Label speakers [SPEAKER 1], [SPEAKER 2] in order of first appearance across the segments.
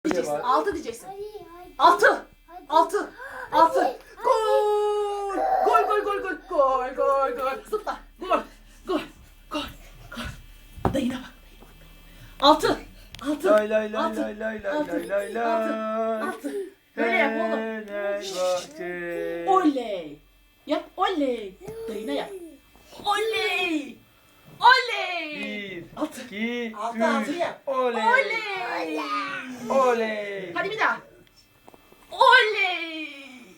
[SPEAKER 1] Diyeceksin.
[SPEAKER 2] var.
[SPEAKER 1] 6 diyeceksin. 6. 6. 6. Gol. Gol gol gol gol. Gol gol gol. Zıpla. Gol. Gol. Gol. Gol. Dayına bak. 6. 6.
[SPEAKER 2] Lay lay lay lay lay lay lay lay.
[SPEAKER 1] 6. Böyle yap oğlum.
[SPEAKER 2] Fenerbahçe.
[SPEAKER 1] Oley. Yap oley. Dayına yap. Oley. Oley.
[SPEAKER 2] 1,
[SPEAKER 1] Altı.
[SPEAKER 2] 2,
[SPEAKER 1] Altı, altı
[SPEAKER 2] 3.
[SPEAKER 1] yap.
[SPEAKER 2] Oley.
[SPEAKER 1] Oley.
[SPEAKER 2] Oley.
[SPEAKER 1] Hadi bir daha. Oley.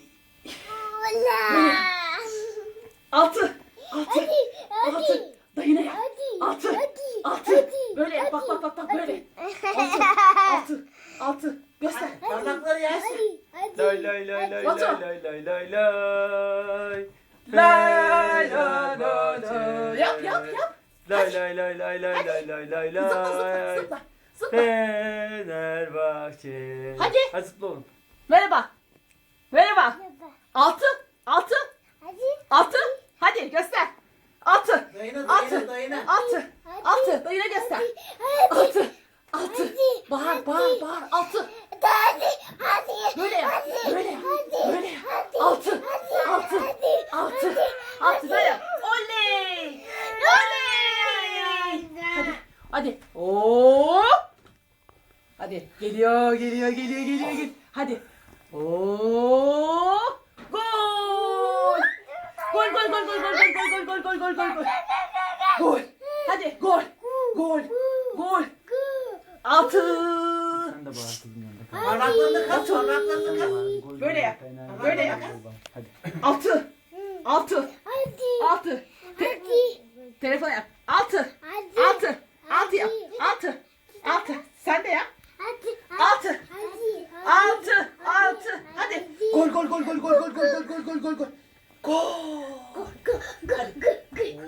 [SPEAKER 1] 6. 6. 6. Dayına yap. 6. 6. Böyle yap. Bak bak bak bak böyle. 6. 6. Göster. Parmakları yersin.
[SPEAKER 2] Lay lay lay lay
[SPEAKER 1] Batu.
[SPEAKER 2] lay lay lay lay.
[SPEAKER 1] Lay lay lay lay. Yap yap yap.
[SPEAKER 2] Lay lay lay lay lay lay lay lay
[SPEAKER 1] Zıpla zıpla
[SPEAKER 2] lay.
[SPEAKER 1] zıpla. Zıpla.
[SPEAKER 2] Fenerbahçe.
[SPEAKER 1] Hadi.
[SPEAKER 2] Hadi zıpla oğlum.
[SPEAKER 1] Merhaba. Merhaba. 6. 6. 6. Hadi göster. 6.
[SPEAKER 3] Dayına
[SPEAKER 1] 6.
[SPEAKER 3] dayına.
[SPEAKER 1] 6. 6. Dayına göster. 6. 6. Bağır bağır bağır. 6. Böyle yap. Böyle yap. Böyle yap. 6. 6. 6. 6. Böyle yap. Oley. Oley. Hadi. Hadi. Oo. Hadi. Geliyor geliyor geliyor geliyor. Geliyor. Hadi. Oo. Gol. Gol gol gol gol gol gol gol gol gol gol gol gol. Gol. Hadi gol. Gol. Gol. 6.
[SPEAKER 2] Sen de bağır kızım yanında.
[SPEAKER 3] Parmaklarını kaç, parmaklarını kaç.
[SPEAKER 1] Böyle yap. Böyle yap.
[SPEAKER 2] Hadi.
[SPEAKER 1] 6. 6. 6. Telefon yap. 6. 6. 6 yap. 6. 6. Sen de yap. 6. 6. 6. Hadi. Gol gol gol gol gol gol gol gol gol gol gol gol. Gol. Hadi.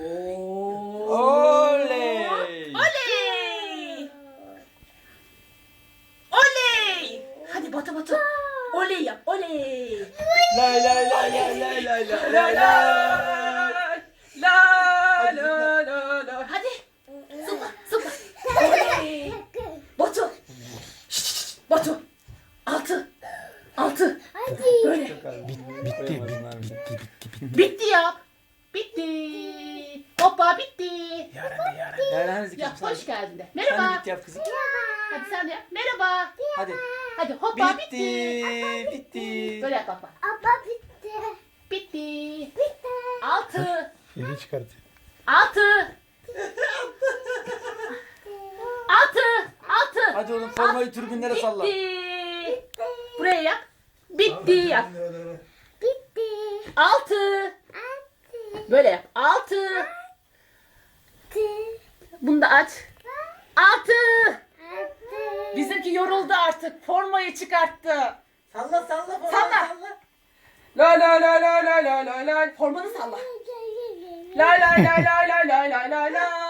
[SPEAKER 2] Oley.
[SPEAKER 1] Oley. Oley. Hadi Batu Batu. Oley yap. Oley.
[SPEAKER 2] Lay lay lay lay lay lay lay
[SPEAKER 1] La
[SPEAKER 2] lay
[SPEAKER 1] la
[SPEAKER 2] lay.
[SPEAKER 1] la la la la. Hadi. Zıpla zıpla. Oley. Batu. Şşş, Batu. 6. 6. Böyle.
[SPEAKER 2] Bitti.
[SPEAKER 1] Bitti ya. Bitti. Hoppa bitti.
[SPEAKER 2] Yarın
[SPEAKER 1] Ya hoş geldin de.
[SPEAKER 2] Sen
[SPEAKER 1] Merhaba.
[SPEAKER 2] de bitti yap kızım.
[SPEAKER 1] Hadi sen de yap. Merhaba.
[SPEAKER 2] Hadi.
[SPEAKER 1] Hadi hoppa
[SPEAKER 2] Bitti.
[SPEAKER 1] bitti.
[SPEAKER 2] Bitti.
[SPEAKER 1] Böyle yap bak bak. Bitti. 6.
[SPEAKER 4] Yeni çıkartıyor.
[SPEAKER 1] 6. 6. 6.
[SPEAKER 2] Hadi oğlum formayı tribünlere salla.
[SPEAKER 1] Bitti. Buraya yap. Bitti yap. 6. Böyle yap. 6. Bunu da aç. 6. Bizimki yoruldu artık. Formayı çıkarttı.
[SPEAKER 3] Salla salla
[SPEAKER 1] Salla.
[SPEAKER 3] salla.
[SPEAKER 1] La la la la la la la la. Formanı salla. La la la la la la la la la.